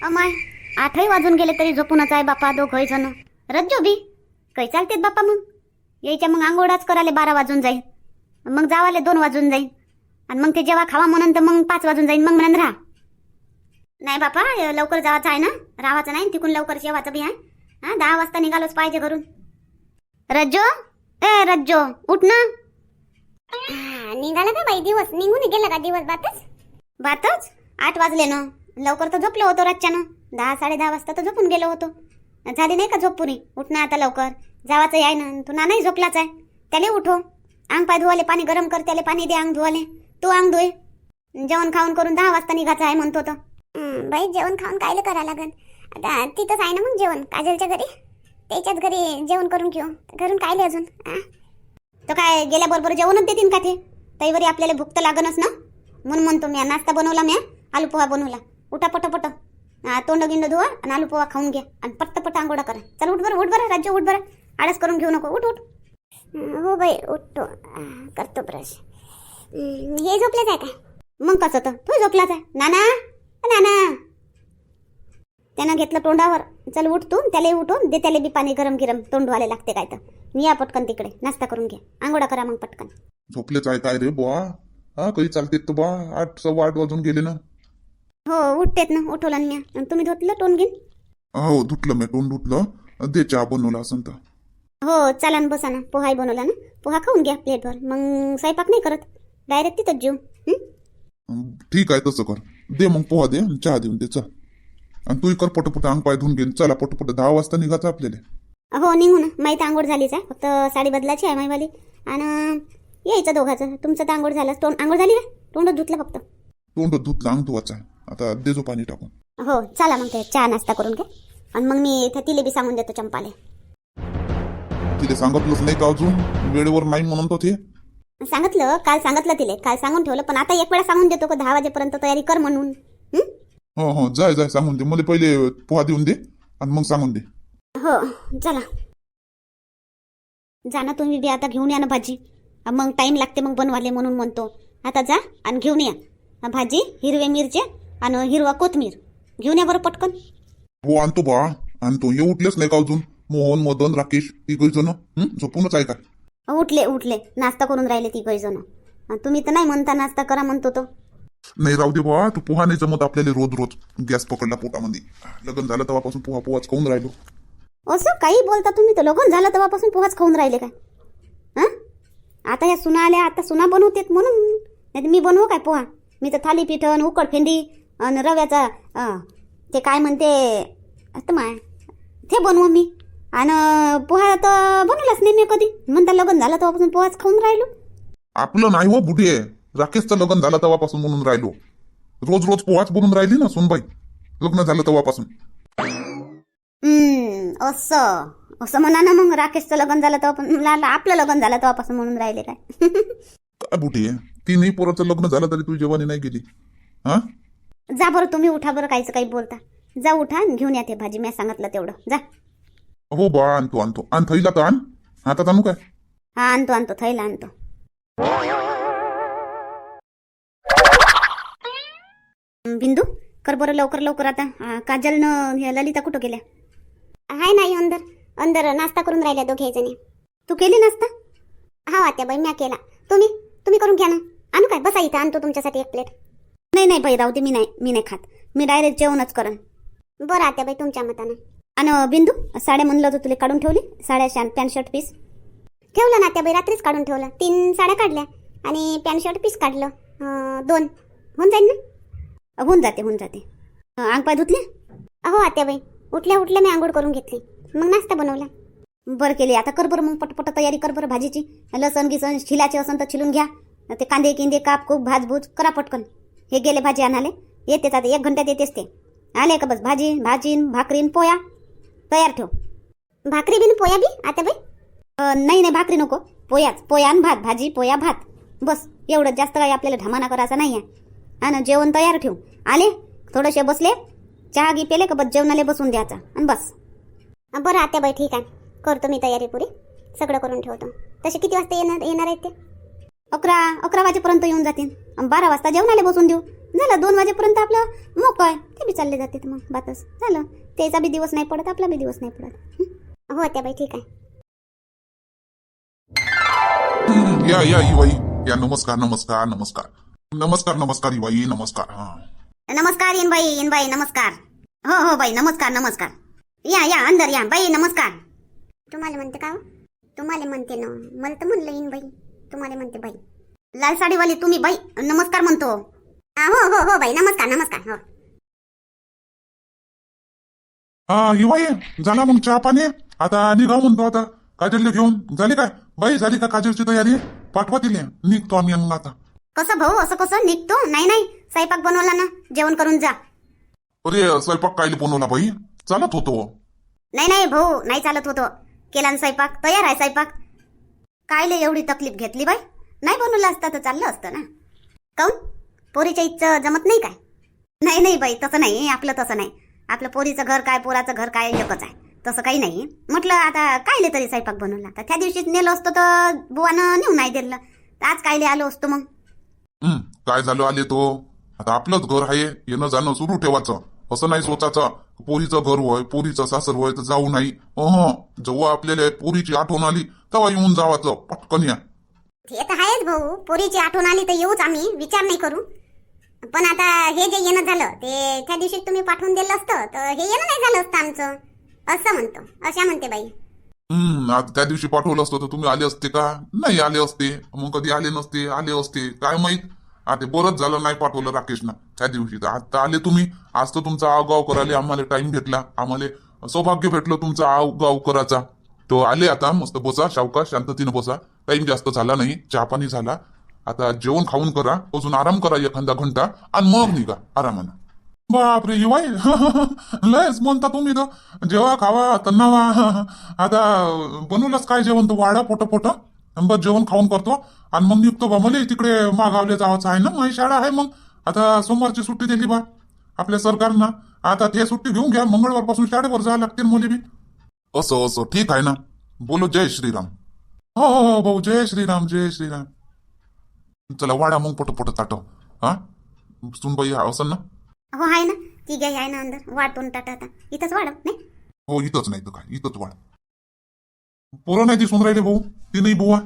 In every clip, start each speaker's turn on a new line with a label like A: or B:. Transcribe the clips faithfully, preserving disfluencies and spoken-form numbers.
A: अमाय, आठही वाजून गेले तरी झोपूनच आहे बापा दोघंही जण. रज्जो बी काही चालतेत बापा. मग यायच्या मग आंघोळाच करायला बारा वाजून जाईल, मग जावाले दोन वाजून जाईल, आणि मग ते जेव्हा खावा म्हणून तर मग पाच वाजून जाईल. मग म्हणून राहा. नाही बापा, लवकर जावाचं आहे ना, राहायचं नाही तिकून लवकर जेवायचं बी आहे. हा, दहा वाजता निघालोच पाहिजे घरून. रज्जो, ए रज्जो, उठ ना.
B: निघाला का बाई? दिवस निघून गेला का? दिवस बातच
A: बातच आठ वाजले ना. लवकर तर झोपलो होतो रातच्यानं. दहा साडे दहा वाजता तर झोपून गेलो होतो. झाली नाही का झोप पुरी? उठ ना आता लवकर, जावाचं आहे ना. तू नानाही झोपलाच आहे, त्याला उठो. अंग पाय धुवाले पाणी गरम कर, त्याला पाणी दे अंग धुवाले. तू अंग धुये. जेवण खाऊन करून दहा वाजता निघायचं आहे म्हणतो तर.
B: बाई जेवण खाऊन कायले करा लागन? आता तिथंच आहे ना मग जेवण, काजलच्या घरी. त्याच्याच घरी जेवण करून घेऊ. घरून कायले अजून?
A: तर काय गेल्याबरोबर जेवणच देतील का ते? तैवरी आपल्याला भूक तर लागणच ना. म्हणून म्हणतो मी नाश्ता बनवला, मी आलू पोहा बनवला. उठा पट पट, तोंड गिंड धुवा आणि आलू पोहा खाऊन घ्या आणि पट्ट पट्ट आंघोळा करा. चल उठ बरं, उठ बरं राज्य, उठ बरं. आळस करून घेऊ नको, उठ उठ.
B: हो बाई उठतो, करतो ब्रश. हे झोपलेच आहे काय?
A: मग कसं तर तू झोपलाच आहे. नाना नाना, त्यानं घेतलं तोंडावर. चल उठ तू, त्याला उठून दे, त्याला बी पाणी गरम गिरम तोंड धुवायला लागते काय तर. या पटकन तिकडे नाश्ता करून घ्या, आंघोळा करा मग पटकन.
C: झोपलेच आहे काय रे बुवा? हा, काही चालतेत तर बा. आठ सव्वा आठ वाजून गेले ना.
A: हो उठतेत ना, उठवलं ना मी. तुम्ही धुतलं तोंड घेऊन?
C: हो धुतलं मी, तोंड धुतलं. दे चहा बनवला असं तर.
A: हो चला ना, बसा ना. पोहाही बनवला ना, पोहा खाऊन घ्या प्लेटवर. मग स्वयंपाक नाही करत, डायरेक्ट तिथंच जेऊ.
C: ठीक आहे तसं कर. दे मग पोहा दे आणि चहा देऊन दे. चल, आणि तूही कर पटपट, अंग पाय धुवून घेऊन. चला पटपट, दहा वाजता निघायचं आपल्याला.
A: हो निघू ना. माहीत आंघोळ झालीच आहे, फक्त साडी बदलाची आहे माईवाली. आणि यायचं दोघाचं. तुमचं तर आंघोळ झालं. तोंड आंघोळ झाली का? तोंड धुतलं फक्त?
C: तोंड धुतलं, अंग धुवायचं आहे. आता देजो पाणी टाकून.
A: हो चला मग, ते चहा नाश्ता करून घ्या. आणि मग मी इथे तिले बी सांगून देतो चंपाले.
C: तिथे सांगितलंच नाही का अजून? वेळेवर नाही म्हणून तो ते.
A: सांगितलं काल, सांगितलं तिले काल, सांगून ठेवलं. पण आता एक वेळा सांगून देतो का दहा वाजेपर्यंत तयारी कर म्हणून.
C: हो हो, जाय जाय, सांगून दे. मला पहिले पोहा देऊन दे आणि मग सांगून दे.
A: हो चला, जा ना तुम्ही बी. आता घेऊन या ना भाजी. मग टाइम लागते मग बनवाले, म्हणून म्हणतो. आता जा आणि घेऊन या भाजी, हिरवे मिरचे आणि हिरवा कोथमीर घेऊन या बरं पटकन.
C: हो आणतो बा, आणतो. हे उठलेच नाही का अजून? मोहन, मदन, राकेश तिघ जण झोपूनच आहे का?
A: उठले उठले, नाश्ता करून राहिले तिघही जण. तुम्ही तर नाही म्हणता नाश्ता करा म्हणतो तो.
C: नाही राहू दे बा, तू पोहा नाही जमत आपल्याला रोज रोज. गॅस पकडला पोटामध्ये. लग्न झालं तेव्हापासून पोहा पोहाच खाऊन राहिलो.
A: असं काही बोलता तुम्ही? तर लग्न झालं तेव्हापासून पोहाच खाऊन राहिले काय? हा, आता ह्या सुना आल्या, आता सुना बनवतेत म्हणून. नाही मी बनवू काय पोहा? मी तर थालीपीठन, उकड फेंडी आणि रव्याचा ते काय म्हणते आता माय, ते बनवू मी. आणि पोहा तर बनवलाच नाही मी कधी. म्हणता लग्न झालं तेव्हापासून पोहाच खाऊन राहिलो.
C: आपलं नाही हो बुढे, राकेशचं लग्न झालं तेव्हापासून म्हणून राहिलो. रोज रोज पोहाच बनून राहिली ना सुनबाई, लग्न झालं तेव्हापासून.
A: हम्म असं असं म्हणा ना मग. राकेशचं लग्न झालं तेव्हा, आपलं लग्न झालं तेव्हापासून म्हणून राहिले काय?
C: काय बुढे, तीनही पोराचं लग्न झालं तरी तू जेवणी नाही गेली. हा,
A: जा बरं तुम्ही, उठा बरं. काहीच काही बोलता. जा उठा आणि घेऊन या ते भाजी. मी सांगितलं तेवढं. जा.
C: हो बा, आणतो आणतो. आण थैला तर आण. हातात आणू काय?
A: हा आणतो आणतो, थैला आणतो. बिंदू कर बरं लवकर लवकर. आता काजल न ललिता कुठं गेल्या?
B: हाय नाही, अंदर अंदर नाश्ता करून राहिल्या दोघे जणी.
A: तू केली नाश्ता?
B: हा आत्या बाई, म्या केला. तुम्ही तुम्ही करून घ्या ना. आणू काय? बसा इथं, आणतो तुमच्यासाठी एक प्लेट.
A: नाही नाही बाई, राहू दे. मी नाही मी नाही खात. मी डायरेक्ट जेवणच करन.
B: बरं आत्या बाई, तुमच्या मतानं.
A: आणि बिंदू, साड्या म्हणलं होतं तुला, काढून ठेवली साड्या? पॅन्ट शर्ट पीस
B: ठेवलं ना आत्याबाई, रात्रीच काढून ठेवलं. तीन साड्या काढल्या आणि पॅन्ट शर्ट पीस काढलं. दोन होऊन जाईल ना?
A: होऊन जाते होऊन जाते. अंग पाय धुतले?
B: हो आत्याबाई, उठल्या उठल्या मी आंघोळ करून घेतली, मग नाश्ता बनवला.
A: बरं केली. आता कर बरं मग पटपट तयारी कर बरं भाजीची. लसण गिसण छिलाचे असन तर छिलून घ्या. ते कांदे किंदे काप खूप भाजभूज करा पटकन. हे गेले भाजी आणाले, येतेच आता एक घंट्यात येतेच ते. आले का बस भाजी भाजीन भाकरीन पोया तयार ठेव.
B: भाकरी बिन पोया बी आत्याबाई?
A: नाही नाही, भाकरी नको, पोयाच. पोया आणि भात, भाजी पोया भात, बस एवढं. जास्त काही आपल्याला ढमाना करायचा नाही आहे. आणि जेवण तयार ठेव. आले थोडेसे बसले, चहा गी पेले का बस जेवणाले बसून द्यायचा आणि बस.
B: बरं आत्याबाई, ठीक आहे, करतो मी तयारी पुरी. सगळं करून ठेवतो. तसे किती वाजता येणार येणार आहेत ते?
A: अकरा अकरा वाजेपर्यंत येऊन जातील. बारा वाजता जेवणाले बसून देऊ. झालं दोन वाजेपर्यंत आपलं मोकळ आहे. ते बी
B: चालले जाते मग बातच झालं. त्याचा बी दिवस नाही पडत, आपला बी दिवस नाही पडत. हं? हो त्या बाई ठीक आहे.
C: हम्म, या या ही बाई या. नमस्कार नमस्कार नमस्कार नमस्कार नमस्कार ही बाई नमस्कार. हा
A: नमस्कार येन बाई येन बाई नमस्कार. हो हो बाई नमस्कार नमस्कार. या या अंदर या बाई नमस्कार.
B: तुम्हाला म्हणते का हो? तुम्हाला म्हणते ना, मला तर म्हणलं येईन बाई, तुम्हाला म्हणते बाई.
A: लाल साडीवाली तुम्ही बाई नमस्कार म्हणतो.
B: हा, हो हो हो बाई नमस्कार नमस्कार. हो
C: हा ही बाई झाला मग चहा पाणी. आता निघाव म्हणतो. आता काजलला घेऊन झाली काय बाई? झाली का काजलची तयारी? पाठवा तिले, निघतो आम्ही मग आता.
A: कसं भाऊ असं कसं निघतो? नाही नाही स्वयंपाक बनवला ना, जेवण करून जा.
C: अरे स्वयंपाक कायले बनवला बाई? चालत होतो.
A: नाही नाही भाऊ नाही चालत होतो. केला ना स्वयंपाक, तयार आहे स्वयंपाक. कायले एवढी तकलीफ घेतली बाई? नाही बनवलं असतं तर चाललं असतं ना. काऊन पोरीच्या इच्छा जमत नाही काय? नाही नाही बाई तसं नाही, आपलं तसं नाही. आपलं पोरीचं घर काय पोराचं घर काय एकच आहे, तसं काही नाही. म्हटलं आता कायले तरी स्वयंपाक बनवला, तर त्या दिवशीच नेलं असतं तर बुवानं नेऊन नाही दिलं, तर आज कायले आलो असतो मग.
C: हम्म काय झालं आले तो? आता आपलंच घर आहे, येणं जाणं सुरू ठेवायचं. असं नाही सोचायचं पोरीचं घर होय पोरीचं सासर होय तर जाऊ नाही. अह जेव्हा आपल्याला पोरीची आठवण आली तेव्हा येऊन जावाचं पटकन या.
B: ते तर आहेच भाऊ, पोरीची आठवण आली तर येऊच आम्ही, विचार नाही करू. पण आता हे जे येणं झालं ते त्या दिवशी तुम्ही पाठवून दिलं असतं तर हे येणं नाही झालं असतं आमचं, असं म्हणतो. अशा म्हणते बाई.
C: हम्म आता त्या दिवशी पाठवलं असतं तर तुम्ही आले असते का? नाही आले असते. मग कधी आले नसते, आले असते काय माहित. आता बरंच झालं नाही पाठवलं राकेशनं त्या दिवशी. तर आता आले तुम्ही. आज तर तुमचा आवगाव करायला आम्हाला टाइम भेटला, आम्हाला सौभाग्य भेटलं तुमचा आवगाव करायचा. तो आले आता मस्त बसा, सावकाश शांततेनं बसा. टाइम जास्त झाला नाही, चहा पाणी झाला. आता जेवण खाऊन करा, अजून आराम करा एखादा घंटा आणि मग निघा आरामानं. बापरे युवाई लयच म्हणता तुम्ही तर. जेव्हा खावा तन्नावा. आता बनवलंच काय जेवण? तर वाडा पोट पोट बस जेवण खाऊन करतो आणि मग निघतो बा. मला तिकडे मागावले जावाचं आहे ना, माझी शाळा आहे. मग आता सोमवारची सुट्टी दिली बा आपल्या सरकारनं. आता ते सुट्टी घेऊन घ्या, मंगळवार पासून शाळेवर जावं लागते मुली बी. असं असं ठीक आहे ना. बोलो जय श्रीराम. हो हो हो भाऊ जय श्रीराम जय श्रीराम. चला वाडा मग पोट पोट ताटव. हा सुनबाई असं ना?
B: हो आहे ना, ती गाय आहे ना अंदर. वाढतो ना टाटा आता इथंच वाढव नाही.
C: हो इथंच नाही तर काय, इथंच वाढ. पोरं नाही दिसून राहिले भाऊ? ती नाही बुवा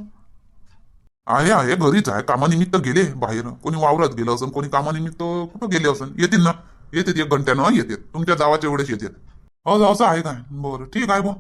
C: आहे आहे घरीच आहे. कामानिमित्त गेले बाहेर, कोणी वावरात गेलं असेल, कोणी कामानिमित्त कुठं गेले असेल. येतील ना, येतात एक घंट्यानं येतात. तुमच्या जावाच्या वेळेस येतात. हो असं आहे काय? बरं ठीक आहे बुवा.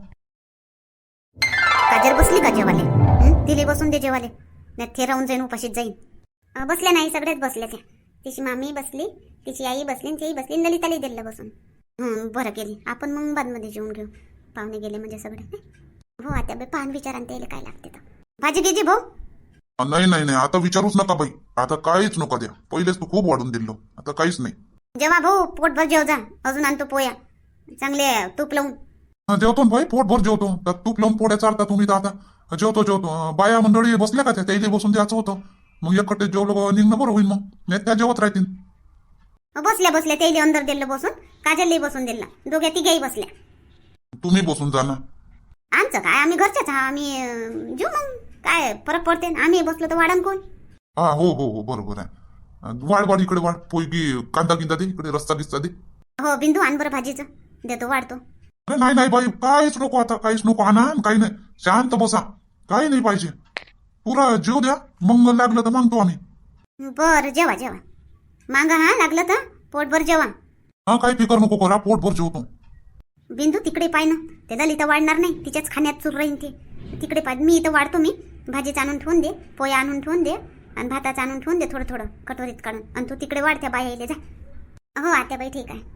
A: काजल बसली का जेवाले? हं? दिले बसून दे जेवाले, नाही ते राहून जाईन उपाशीत जाईन.
B: अं, बसल्या नाही, सगळ्याच बसल्या त्या. तिची मामी बसली, तिची आई बसली, तीही बसली, ललिताली दिलं बसून.
A: हं, बरं केली. आपण मग बादमध्ये जेवून घेऊ, पाहुणे गेले म्हणजे सगळे.
B: हो आता बे पाहून विचारान त्याला काय लागते तर.
A: भाजी घ्यायची भाऊ?
C: नाही नाही नाही आता विचारूच नका बाई. आता काहीच नका द्या. पहिलेच तू खूप वाढून दिलो, आता काहीच नाही.
A: जेव्हा भाऊ पोटभर जेव जा. अजून आणतो पोया चांगले तूप लावून.
C: हा, जेवतो ना भाई, पोटभर जेवतो. तर तूप लावून पोळ्या चालता तुम्ही तर आता जेवतो जेवतो. बाया मंडळी बसल्या का त्या? त्याला बसून द्यायचं होतं. मग एकटे जेवलं निघणं बरं होईल. मग नाही त्या जेवत राहतील.
A: बसल्या बसल्या त्याला अंदर दिलं बसून, काजलही बसून दिला, दोघ्या तिघेही बसल्या.
C: तुम्ही बसून जा ना.
A: आमचं काय, आम्ही घरच्याच हा. आम्ही अं, जेऊ मग काय फरक पडते. आम्ही बसलो तर वाढन कोण?
C: हा हो हो हो बरोबर आहे. वाढ वाढ इकडे वाढ. पोयगी कांदा गिंदा दे इकडे, रस्ता गिस्ता दे.
A: हो बिंदू आण बरं भाजीचं, देतो वाढतो.
C: अरे नाही नाही बाई काहीच नको आता, काहीच नको. आणा काही नाही, शांत बसा. काही नाही पाहिजे. पुरा जेव द्या, मग लागलं तर मागतो आम्ही.
A: बरं जेवा जेवा, मांगा हा लागलं तर पोटभर जेवा.
C: हा काही फिकर नको करा, पोटभर जेवतो.
A: बिंदू तिकडे पाय ना, ते ललिता वाढणार नाही, तिच्याच खाण्यात चूर राहीन ते. तिकडे पाय, मी इथं वाढतो. मी भाजीचं आणून ठेवून दे, पोया आणून ठेवून दे आणि भाताचं आणून ठेवून दे थोडं थोडं कटोरीत काढून. आणि तू तिकडे वाढत्या बाया येले जा. हो आत्याबाई ठीक आहे.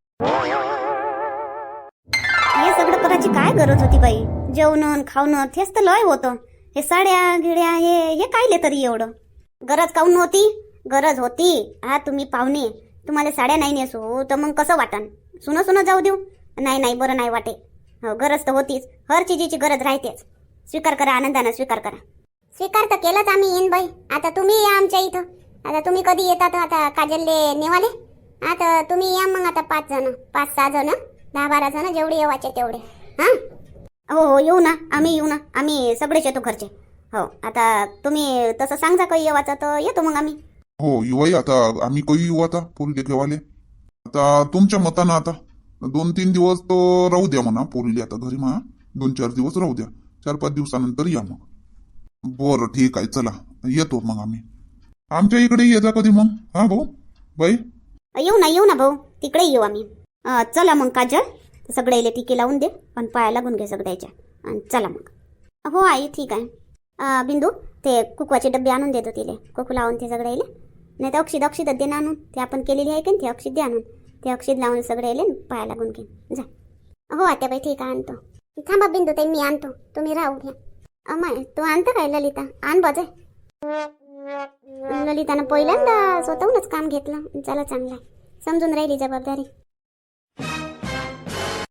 A: हे सगळं करायची काय गरज होती बाई? जेवण खावणं तेच तर लय होतं. हे साड्या गिड्या हे हे कायले तरी एवढं? गरज काऊन नव्हती? गरज होती. हा तुम्ही पाहुणे, तुम्हाला साड्या नाही नेसू तर मग कसं वाटन? सुनं सुनं जाऊ देऊ? नाही नाही बरं नाही वाटे. हो गरज तर होतीच, हर चीजीची गरज राहतेच. स्वीकार करा, आनंदानं स्वीकार करा.
B: स्वीकार तर केलाच आम्ही येईन बाई. आता तुम्ही या आमच्या इथं. आता तुम्ही कधी येतात? आता काजलले नेवाले. आता तुम्ही या मग. आता पाच जण पाच सहा जण दहा बारा जण जेवढे येवायचे तेवढे. हा
A: हो हो येऊ ना, आम्ही येऊ ना. आम्ही सगळेच येतो घरचे. हो आता तुम्ही तसं सांगा काही येवाचं तर येतो मग आम्ही.
C: हो युवाई आता आम्ही काही येऊ आता पोरीले घेवाले. आता तुमच्या मतानं आता दोन तीन दिवस तो राहू द्या म्हणा पोरीले आता घरी म्हणा. दोन चार दिवस राहू द्या. चार पाच दिवसानंतर या मग. बरं ठीक आहे चला येतो मग आम्ही. आमच्या इकडे ये जा कधी मग. हा भाऊ बाई
A: येऊ ना येऊ ना भाऊ, तिकडे येऊ आम्ही. अं, चला मग काजल, सगळ्याले टिके लावून दे आणि पाया लागून घे सगळ्याच्या. आणि चला मग. हो आई ठीक आहे. अं, बिंदू ते कुकवाचे डबे आणून देतो तिले, कुकू लावून ते सगळ्याले. नाही तर अक्षित अक्षितच दे ना आणून. ते आपण केलेली आहे का ते अक्षित दे आणून. ते अक्षित लावून सगळ्याले पाया लागून घे जा.
B: हो आत्याबाई ठीक आहे आणतो. थांबा बिंदू ताई मी आणतो, तुम्ही राहू घ्या.
A: अमाय तू आणतं काय ललिता? आण बाजे. ललितानं पहिल्यांदा स्वतःहूनच काम घेतलं. चला चांगलं आहे, समजून राहिली जबाबदारी.